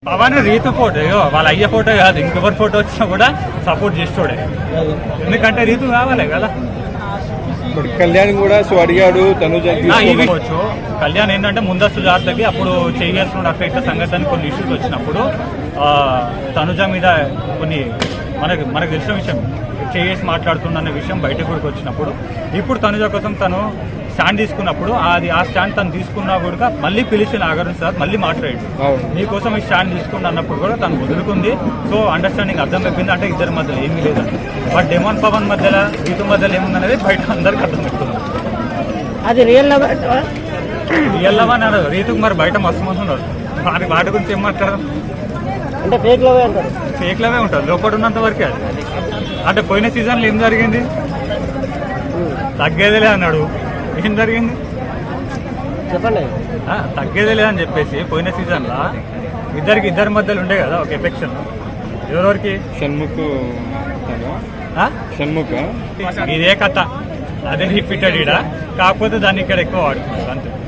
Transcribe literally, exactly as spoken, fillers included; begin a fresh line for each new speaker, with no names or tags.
Pawan Ritu photo వాళ్ళ అయ్యే photo కాదు, ఇంకెవరి ఫోటో వచ్చినా కూడా సపోర్ట్ చేస్తోడే. ఎందుకంటే రీతు కావాలి కదా.
కళ్యాణ్ కూడా సో అడిగాడు తనుజ.
కళ్యాణ్ ఏంటంటే ముందస్తు జాగ్రత్తకి అప్పుడు చేయాల్సిన అక్కడ ఇట్లా సంఘటన కొన్ని ఇష్యూస్ వచ్చినప్పుడు తనుజ మీద కొన్ని మనకు మనకు తెలిసిన విషయం చేసి మాట్లాడుతున్న విషయం బయటకు కూడా వచ్చినప్పుడు ఇప్పుడు తనుజ కోసం తను స్టాండ్ తీసుకున్నప్పుడు అది ఆ స్టాండ్ తను తీసుకున్నా కూడా మళ్ళీ పిలిచి నాగార్జున సార్ మళ్ళీ మాట్లాడాడు, నీకోసం ఈ స్టాండ్ తీసుకున్న అన్నప్పుడు కూడా తను వదులుకుంది. సో అండర్స్టాండింగ్ అర్థం అయిపోయింది, అంటే ఇద్దరి మధ్యలో ఏమీ లేదండి. బట్ డెమాన్ పవన్ మధ్యలో రీతు మధ్యలో ఏముందనేది బయట అందరికి అర్థం పెడుతుంది.
అది రియల్ లవ్
రియల్ లవ్ అన్నారు. రీతుకు మరి బయట మస్తు మంది ఉన్నారు, వాటి వాటి గురించి ఏం మాట్లాడడం
అంటే ఫేక్ లవ్ అంటారు.
ఫేక్ లవే ఉంటుంది లోపల ఉన్నంత వరకే. అది అంటే పోయిన సీజన్లో ఏం జరిగింది, తగ్గేదిలే అన్నాడు, ఏం జరిగింది
చెప్పండి.
తగ్గేదే లేదని చెప్పేసి పోయిన సీజన్లో ఇద్దరికి ఇద్దరి మధ్యలో ఉండే కదా ఒక ఎఫెక్షన్. ఎవరెవరికి
షణ్ముఖ్ షణ్ముఖ్
ఇదే కథ, అదే రిపీటెడ్ ఇడ, కాకపోతే దాన్ని ఇక్కడ ఎక్కువ వాడుతున్నారు అంతే.